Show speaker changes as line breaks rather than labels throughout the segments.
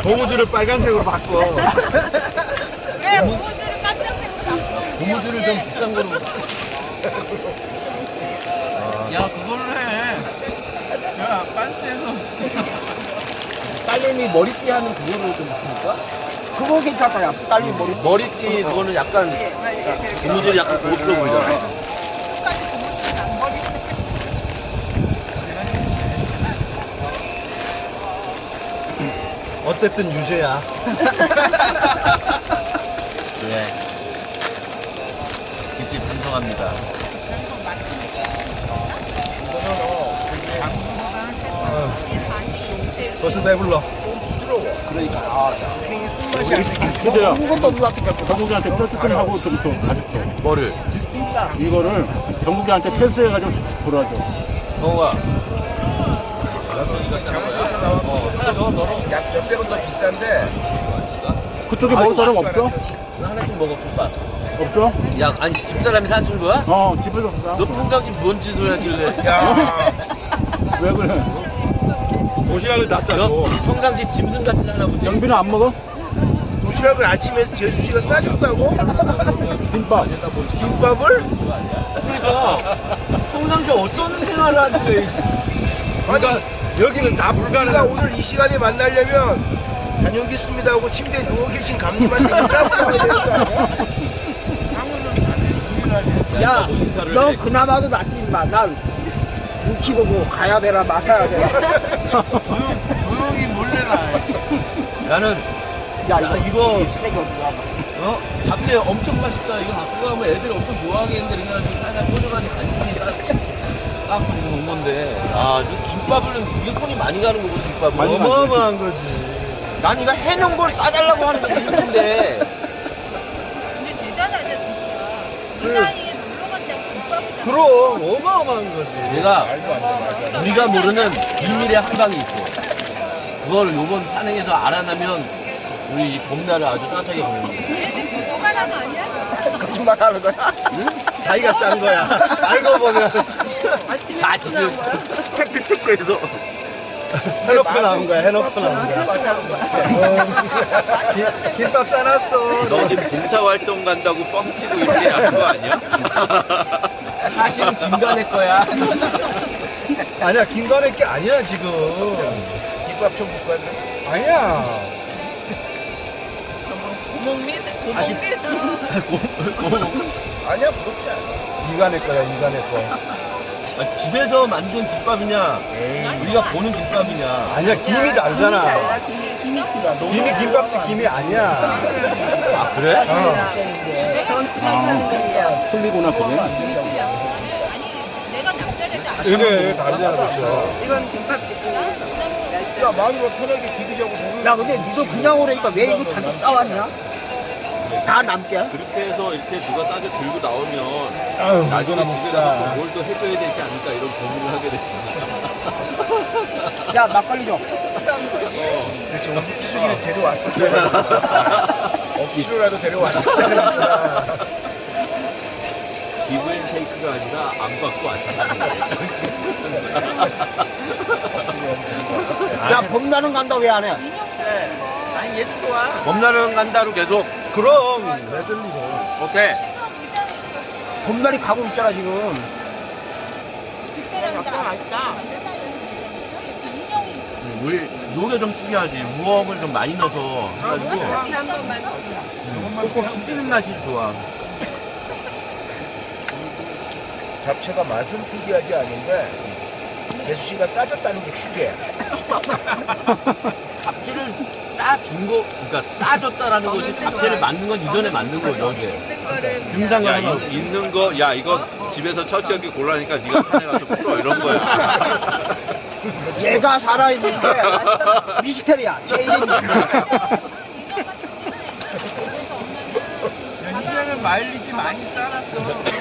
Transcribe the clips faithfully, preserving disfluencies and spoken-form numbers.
고무줄을 빨간색으로 바꿔.
왜 고무줄을 깜짝색으로 바꿔?
고무줄을 좀 비싼 거로.
야 그걸로 해. 야 빤스에서
딸내미 머리띠 하는 그거로 좀 바꿀까?
그거 괜찮다, 야. 딸기 머리.
머리띠 그거는 약간 고무줄이 약간 고급스러워 보이잖아.
끝까지 고무줄은 안 버리고.
어쨌든 유죄야.
그래. 깊이 반성합니다.
벌써 배불러.
그러니까, 아,
그래요.
아무것도 없는 것 같아.
정국이한테 패스 좀 하고 좀 줘, 가르쳐.
뭐를?
이거를 정국이한테 패스해가지고 돌아줘.
성우가
약 몇백원 더 비싼데
그쪽에 먹을 사람 없어?
하나씩 먹어 국밥.
없어?
야 아니 집사람이 사준 거야?
어, 집에서 없어.
너 평상시 뭔 짓을 하길래?
야
왜 그래?
도시락을 다
너
싸줘.
평상시 짐승 같은 할아버지.
영빈은 안 먹어?
도시락을 아침에 재수 씨가 싸줬다고?
김밥.
김밥을?
그러니까 평상시 어떤 생활을 하길래?
그러니까 여기는 다
우리가
불가능한.
오늘 이 시간에 만나려면 다녀오겠습니다 하고 침대에 누워 계신 감님한테 인사하고 나와야 되는 거 아니야?
야, 너 그나마도 낫지, 임마. 난 눈치 보고 가야 되나 말아야 되나.
조용히 몰래 나.
나는
야,
야,
이거,
이거-
이 쓰레기 어디가.
어 잡채 엄청 맛있다. 이거 갖고 가면 애들이 엄청 좋아하겠는데 그래가지고 살살 꽂아가지고 간신히 딱 놓은 건데. 아, 저 김밥은 이게 손이 많이 가는 거고 김밥은.
많이 가지.
어마어마한 거지.
난 이거 해놓은 걸 싸달라고 하는 게 재밌는데.
근데 대단하다 진짜. 이 나이에 놀러 간다고 김밥이다.
그럼 어마어마한 거지.
내가 우리가 모르는 비밀의 한 방이 있어. 그걸 요번 산행에서 알아나면 우리 이 봄날을 아주 따뜻하게 보내는 거야.
얘는 거짓말하는 거 아니야?
거짓말 하는 거야?
자기가 싼 거야. 알고 보면
다 지금 팩트 체크해서.
해놓고 나온 거야. 해놓고 나온 거야. 어, 김- 김밥 싸놨어.
너 지금 봉사 활동 간다고 뻥치고 이렇게 한 거 아니야? 사실은 김간의 거야.
아니야, 김관의 게 아니야 지금.
김밥 좀 줄까?
아니야.
고목밑? 고목밑?
아니야 부럽지 않아.
이간의 거야, 이간의 거.
아, 집에서 만든 김밥이냐? 우리가 보는 김밥이냐?
아니야, 김이 다르잖아.
김이 김이 들어.
김이 김밥집 김이 아니야.
아 그래?
아, 틀리구나, 그게.
아니 내가 남자래도 안
이게 다르잖아, 벌써.
이건 김밥집이야?
야 마누라 편하게 디비자고 먹는
야, 근데 니도 그냥 오라니까 왜 이거 잔뜩 싸왔냐? 다 남게?
그렇게 해서 이렇게 누가 싸게 들고 나오면
아유,
나중에
이거나
집에 가서
먹자.
뭘 또 해줘야 되지 않을까 이런 고민을 하게 됐잖아.
야, 막걸리 줘.
그렇지 오늘 희숙이를 데려왔었어야 억지로라도 데려왔었어야 되는구나.
기브앤테이크가 아니라 안 받고 안
야, 봄나는 간다 왜 안 해?
아니 얘도 좋아.
봄날은 간다로 계속.
그럼 레들리고.
오케이.
봄날이 가고 있잖아, 지금.
그때랑 맛있다. 인형이 있어.
음, 우리 요게 좀 특이하지. 무엉을 좀 많이 넣어서 해가지고
한 번만.
꼭 씹히는 맛이 좋아.
잡채가 맛은 특이하지 않은데 재수 씨가 싸줬다는 게 특이해.
잡채를 싸준 거, 그러니까 싸줬다라는 거지. 잡채를 만든 건 이전에 만든 거죠, 이제.
김상관
야, 이거 있는 거, 야, 이거 집에서 처치하기 곤란하니까 네가 산에 가서 풀어, 이런 거야.
얘가 살아있는데 미스테리야. 제일입니다.
이제는 마일리지 많이 쌓았어.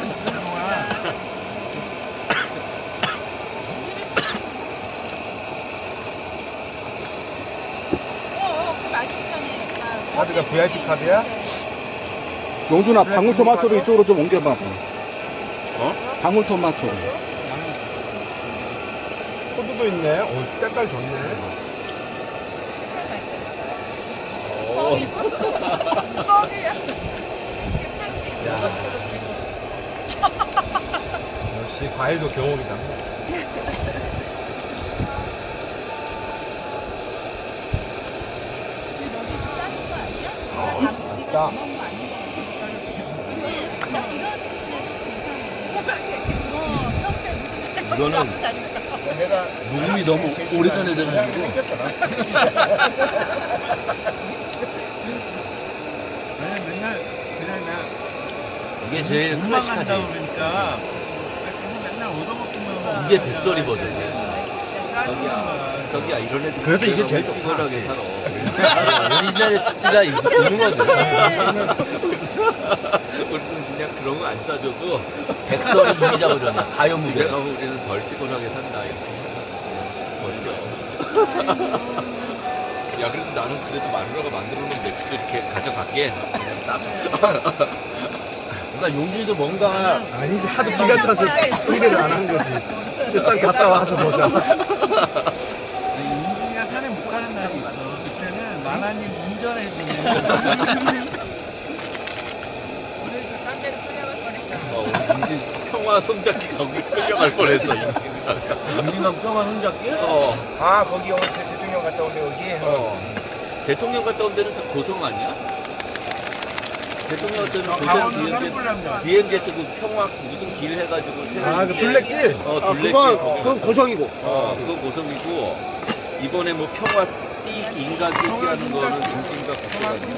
어, 그 맞은편에.
카드가 브이아이피 카드야?
용준아, 방울토마토를 이쪽으로 좀 옮겨봐.
어?
방울토마토를.
호두도 있네. 오, 색깔 좋네.
뻥이야.
역시 과일도 경옥이다.
근데 너도 좀 싸진 거 아니야?
어,
네가 다- 네가 다 먹은 거 아닌 거 같아. 나 이런 데는 좀 이상해. 어, 평소에 무슨 할 것이
이거는-
없다니까.
내가
녹음이 너무 오래전에 돼가지고.
생겼잖아.
아니 맨날 그냥 나
이게 제일 클래식하지.
한다 그러니까 계속 맨날 얻어먹기만 하고
이게 백설이 버전이야. 저기야, 저기야 이런 애들.
그래도 이게 제일 좋다.
피곤하게 살아. 오리지널의 특징가 있는 거죠. 우리는 그냥 그런 거 안 싸줘도 백설이 이기자 버전이야. 가요 무대 가면 우리는 덜 피곤하게 산다. 이렇게. 버리죠. 야 그래도 나는 그래도 마누라가 만들어 놓은 맥주도 이렇게 가져갈게. 딱. 그러니까 용진이도 뭔가
아니 하도 기가 차서 의뢰를 안 한 거지. 일단 갔다 와서 보자.
윤진이가 산에 못 가는 날이 있어. 그때는 만화님 운전해주는
어, 용진 평화 손잡기 거기 끌려갈 뻔했어. 용진이가 평화 손잡기? 어.
아 거기 오늘 대- 대통령 갔다 온데 여기.
어. 대통령 갔다 온 데는 다 고성 아니야? 대통령 갔다 온
강원도
고성 비행기
산불남자.
비행기 뜨고 평화 무슨 길 해가지고
아 그 둘레길.
어
아,
둘레길
그건,
거기
그건
갔다
고성이고.
어, 그거 고성이고 이번에 뭐 평화 띠기 인간 띠기 하는 거는 용진이가 갔다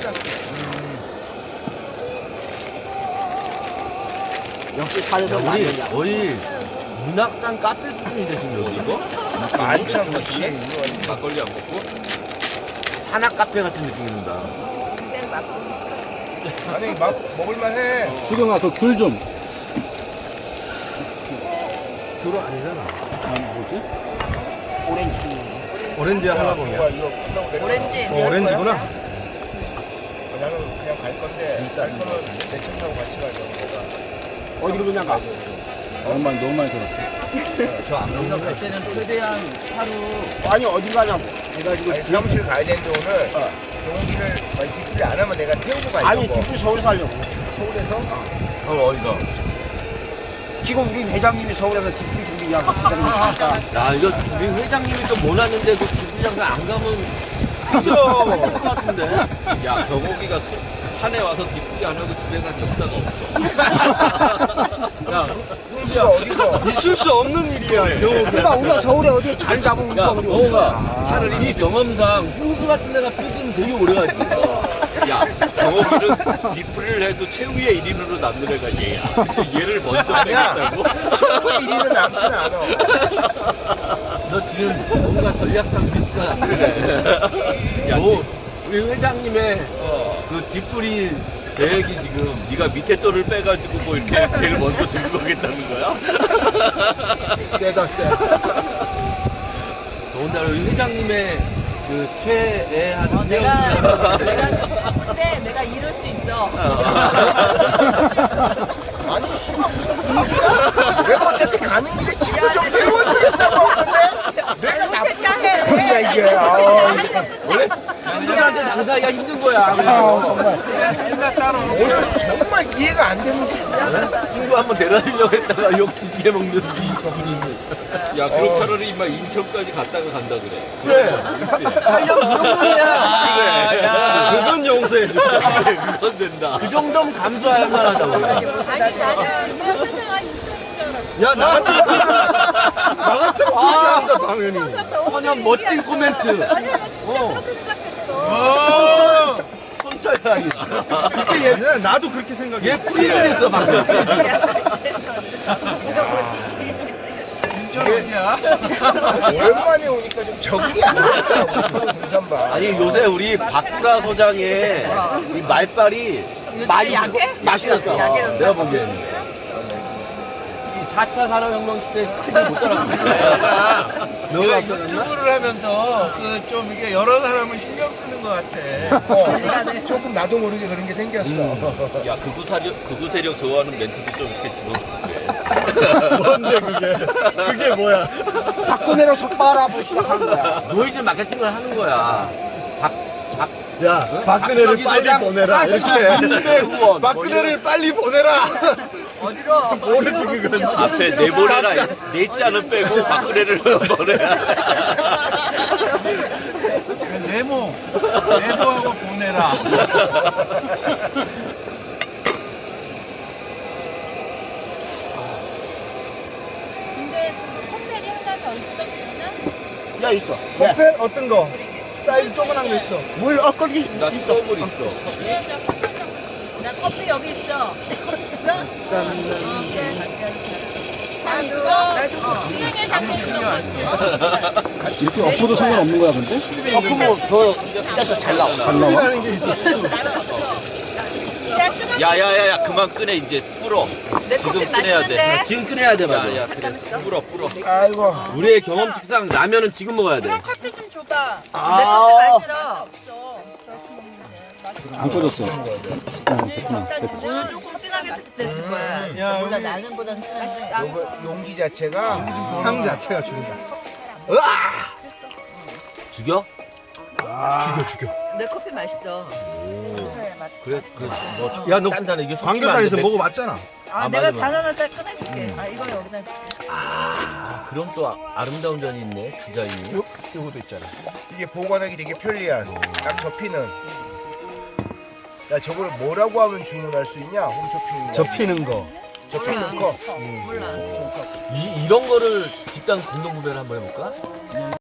역시 산에서
우리
많이 야
거의 문학산 카페 수준인데 지금 여기 이거?
만천 그렇지.
막걸리 안 먹고 산악 카페 같은 느낌이 든다.
아니 막 먹을만해.
수경아, 그 귤 좀.
귤은 아니잖아.
뭐지?
오렌지.
오렌지 한라봉이야.
뭐야, 이거 끝나고 내려.
오렌지.
어, 오렌지구나.
나는 그냥 갈 건데 갈 거는 내 차 타고 같이 가려고 내가.
어디로 그냥 가?
너무 많이, 너무 많이 들었어.
저안 먹는
여기서
거.
갈 때는 최대한 하루
아니, 어디 가냐고. 해가지고.
아니 사무실 가야 되는데 오늘 경호기를 많이 뒷풀이 안 하면 내가 태우고 가려고.
아니, 뒷부 서울 살려고.
서울에서
어 어디가?
지금 우리 회장님이 서울에서 뒷부 준비하고 회장님 있으니까.
야 이거 우리 회장님이 또 몰랐는데 그 주구장사 안 가면 그죠? 것 같은데. 야 경호기가 수, 산에 와서 뒷풀이 안 하고 집에 간 역사가 없어. 야
홍수가 어디서?
있을 수 없는 일이야. 경옥이.
그러니까 우리가 서울에 어디 잘 잡으면
야,
서울이
경호가 차라리 네 경험상 홍수 같은 데가 삐지면 되게 오래 가지. 야, 경호기는 뒷풀이를 해도 최후의 일 인으로 남는 애가 얘야. 근데 얘를 먼저
아니야.
빼겠다고?
최고의 일 위는 남진 않아.
너 지금 뭔가 전략상 비슷한 안 그래. 야, 너 우리 회장님의 그 뒷풀이 계획이 지금 네가 밑에 돌을 빼가지고 뭐 이렇게 제일 먼저 들고 가겠다는 거야?
세다, 세.
더군다나 우리 회장님의 그 최애하는
어, 내가 내가 바쁜데 내가 이럴 수 있어.
아니 씨발 무슨 분위기야? 내가 어차피 가는 길에 친구 좀 태워주겠다고 하는데 내가 나쁜 놈이야 이게. 아,
원래 친구들한테 장사하기가 힘든 거야.
아 정말
생각 따로.
오늘 정말 이해가 안 되는 게.
친구 한번 데려다주려고 했다가 욕 뒤지게 먹는 이 분이. 야, 그럼 차라리 막 인천까지 갔다가 간다 그래. 그래. 하려고 그런 거야. 그래. 야,
그건 용서해줘.
그래, 그건 된다. 그 정도면 감수할 만하다고.
아니 나는 내 회사가 인천인 줄 알았어.
야 나 같은 나 같은 얘기한다 당연히.
그냥 멋진 코멘트.
아니 나 진짜
어.
그렇게 생각했어.
손절하기.
그렇게 얘 나도 그렇게 생각해.
얘 프리즈를 했어, 방금.
인천 어디야?
오랜만에 오니까 좀 적응이 안 되더라고. 등산바.
아니, 요새 우리 박구라 소장의 이 말빨이 많이
약해?
맛이 났어.
약해졌어.
내가 보기에는. 이 사 차 산업혁명 시대에 스킬을 못 따라가고 있어.
내가 유튜브를 하면서 그 좀 이게 여러 사람을 신경 쓰는 것 같아.
어, 조금 나도 모르게 그런 게 생겼어.
야, 극우 세력, 극우 세력 좋아하는 멘트도 좀 이렇게 집어넣고.
뭔데 그게? 그게 뭐야?
박근혜로 속 빨아보고 시작한 거야.
노이즈 마케팅을 하는 거야. 박,
야, 박근혜를 빨리 보내라. 이렇게.
후원.
박근혜를 빨리 보내라.
어디로?
모르지 그건.
앞에 내보내라. 네 자는 빼고 박근혜를 보내라.
네모 네모하고 보내라.
근데 그 컵벨이 하나 더 있어.
야 있어.
커피 어떤 거? 사이즈 조그만 거 있어.
물 엇걸기
나
있어.
수업을 있어.
나 커피 여기 있어. 잘 있어? 나도
진행해 잡고 있는 거지.
이렇게 엎어도 상관없는 거야, 근데?
엎으면 더 깨서 잘 나와.
잘 나와?
하는 게 있어.
야야야야 그만 꺼내 이제 불어.
내
지금
커피
꺼내야 돼.
맛있는데?
지금 꺼내야 돼 맞아. 야야 그래. 불어 불어.
아이고.
우리의 경험칙상 라면은 지금 먹어야 돼.
커피 좀 줘봐.
내 커피 맛있어.
없어. 저렇게 먹는데.
안 꺼졌어.
오늘 조금 진하게 됐을 거야.
야,
몰라
여기
나는보단 진한데.
요거 용기 자체가
향 자체가 죽인다.
죽여?
죽여 죽여.
내 커피 맛있어.
그래 그래. 너
야, 너
딴 이게
광교사에서 먹어봤잖아.
아,
아,
내가
맞아, 맞아.
잔원할 때 꺼내줄게. 아 이거 여기다.
아 그럼 또 아- 아름다운 전이 있네 디자인이.
요, 요것도 있잖아.
이게 보관하기 되게 편리한 딱 접히는. 야 저걸 뭐라고 하면 주문할 수 있냐? 홈쇼핑.
접히는 거.
접히는 거.
몰라.
이 이런 거를 집단 공동 구매를 한번 해볼까?